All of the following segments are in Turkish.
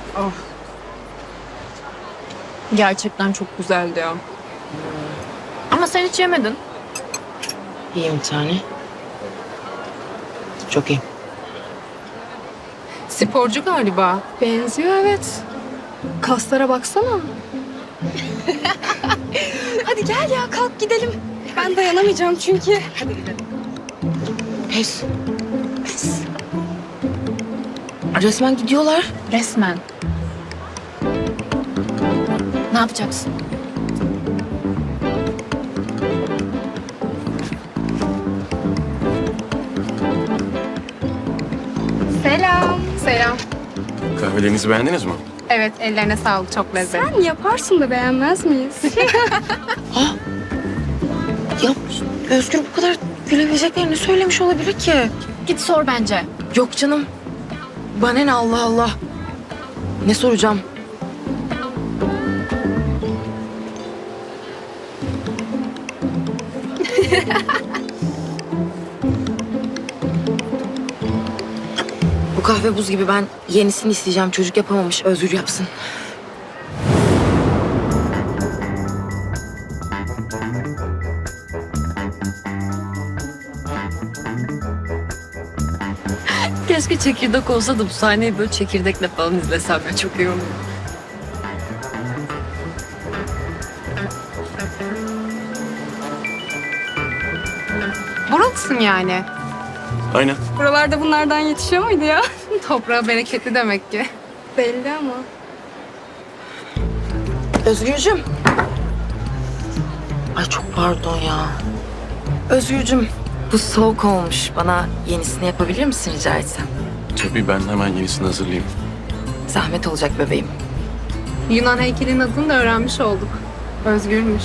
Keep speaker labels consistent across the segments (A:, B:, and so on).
A: Oh. Gerçekten çok güzeldi ya. Ama sen hiç yemedin.
B: İyiyim bir tane. Çok iyi.
A: Sporcu galiba.
C: Benziyor evet. Kaslara baksana. Hadi gel ya kalk gidelim. Ben dayanamayacağım çünkü.
B: Pes. Resmen gidiyorlar.
A: Resmen. Ne yapacaksın?
C: Selam.
A: Selam.
D: Kahvelerinizi beğendiniz mi?
A: Evet, ellerine sağlık. Çok lezzetli.
C: Sen yaparsın da beğenmez miyiz?
B: Ya Özgür bu kadar gülebileceklerini söylemiş olabilir ki.
A: Git sor bence.
B: Yok canım. Bana ne Allah Allah. Ne soracağım? Bu kahve buz gibi, ben yenisini isteyeceğim. Çocuk yapamamış, Özgür yapsın.
E: Keşke çekirdek olsa da bu sahneyi böyle çekirdekle falan izlesem ya, çok iyi olur.
A: Buralısın yani.
D: Aynen.
C: Buralarda bunlardan yetişiyor muydu ya?
A: Toprağı bereketli demek ki.
C: Belli ama.
B: Özgürcüm. Ay çok pardon ya. Özgürcüm, bu soğuk olmuş. Bana yenisini yapabilir misin rica etsem?
D: Tabii ben hemen yenisini hazırlayayım.
B: Zahmet olacak bebeğim.
A: Yunan heykelinin adını da öğrenmiş olduk. Özgürmüş.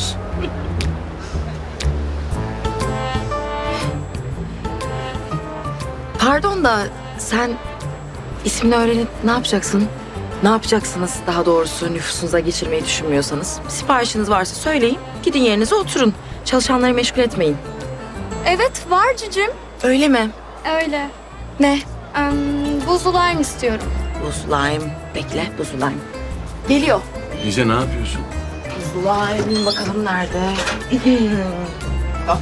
B: Pardon da sen ismini öğrenip ne yapacaksın? Ne yapacaksınız daha doğrusu nüfusunuza geçirmeyi düşünmüyorsanız? Siparişiniz varsa söyleyin, gidin yerinize oturun. Çalışanları meşgul etmeyin.
C: Evet var cücüm.
B: Öyle mi?
C: Öyle.
B: Ne?
C: Buzlu lime istiyorum.
B: Buzlu lime. Bekle, buzlu lime. Geliyor.
D: Lize ne yapıyorsun?
B: Buzlu lime bakalım nerede? Al.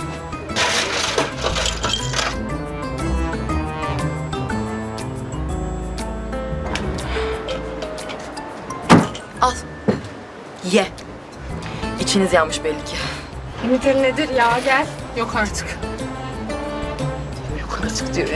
B: Al. Ye. İçiniz yanmış belli ki.
C: Nedir nedir ya gel.
A: Yok artık.
B: Yok artık diyor ya.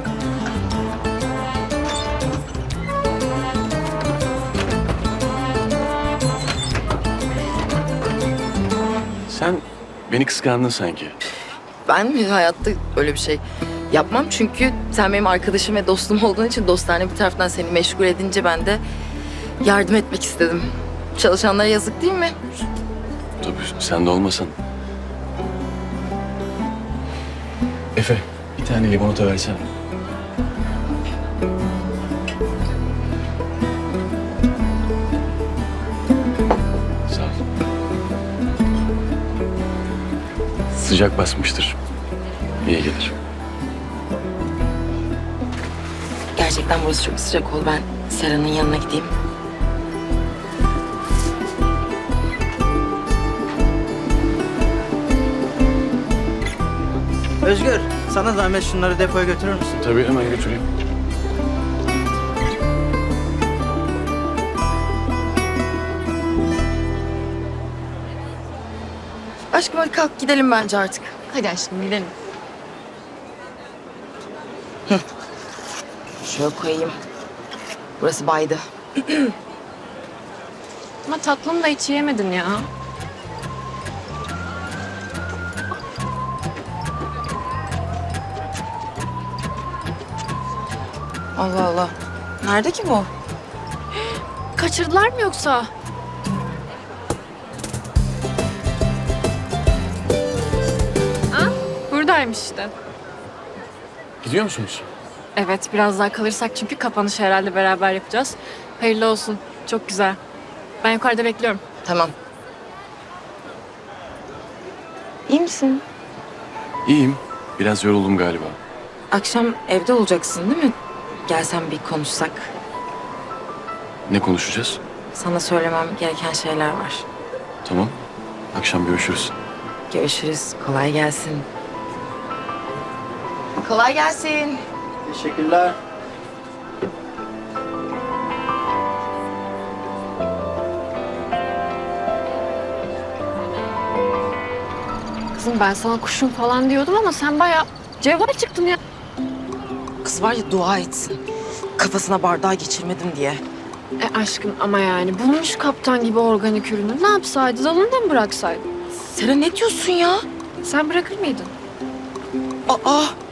D: Sen beni kıskandın sanki.
B: Ben mi hayatta öyle bir şey yapmam, çünkü sen benim arkadaşım ve dostum olduğun için dostane bir taraftan seni meşgul edince ben de yardım etmek istedim. Çalışanlara yazık değil mi?
D: Tabii sen de olmasan. Efe, bir tane limonata versene. Sağ ol. Sıcak basmıştır. İyi gelir.
B: Gerçekten burası çok sıcak oldu. Ben Sera'nın yanına gideyim.
F: Özgür, sana zahmet şunları depoya götürür müsün?
D: Tabii hemen götüreyim.
B: Aşkım hadi kalk gidelim bence artık.
A: Hadi aşkım gidelim.
B: Şöyle koyayım. Burası baydı.
A: Ama tatlım da hiç yemedin ya.
B: Allah Allah. Nerede ki bu?
A: Kaçırdılar mı yoksa? Ha? Buradaymış işte.
D: Gidiyor musunuz?
A: Evet, biraz daha kalırsak çünkü kapanışı herhalde beraber yapacağız. Hayırlı olsun. Çok güzel. Ben yukarıda bekliyorum.
B: Tamam. İyi misin?
D: İyiyim. Biraz yoruldum galiba.
B: Akşam evde olacaksın değil mi? Gelsen bir konuşsak.
D: Ne konuşacağız?
B: Sana söylemem gereken şeyler var.
D: Tamam. Akşam görüşürüz.
B: Görüşürüz. Kolay gelsin. Kolay gelsin.
F: Teşekkürler.
A: Kızım ben sana kuşum falan diyordum ama sen bayağı cevval çıktın ya.
B: Kız var ya dua etsin. Kafasına bardağı geçirmedim diye.
A: Aşkım ama yani bulmuş kaptan gibi organik ürünü. Ne yapsaydı? Dalında mı bıraksaydı?
B: Seren ne diyorsun ya?
A: Sen bırakır mıydın?
B: Aa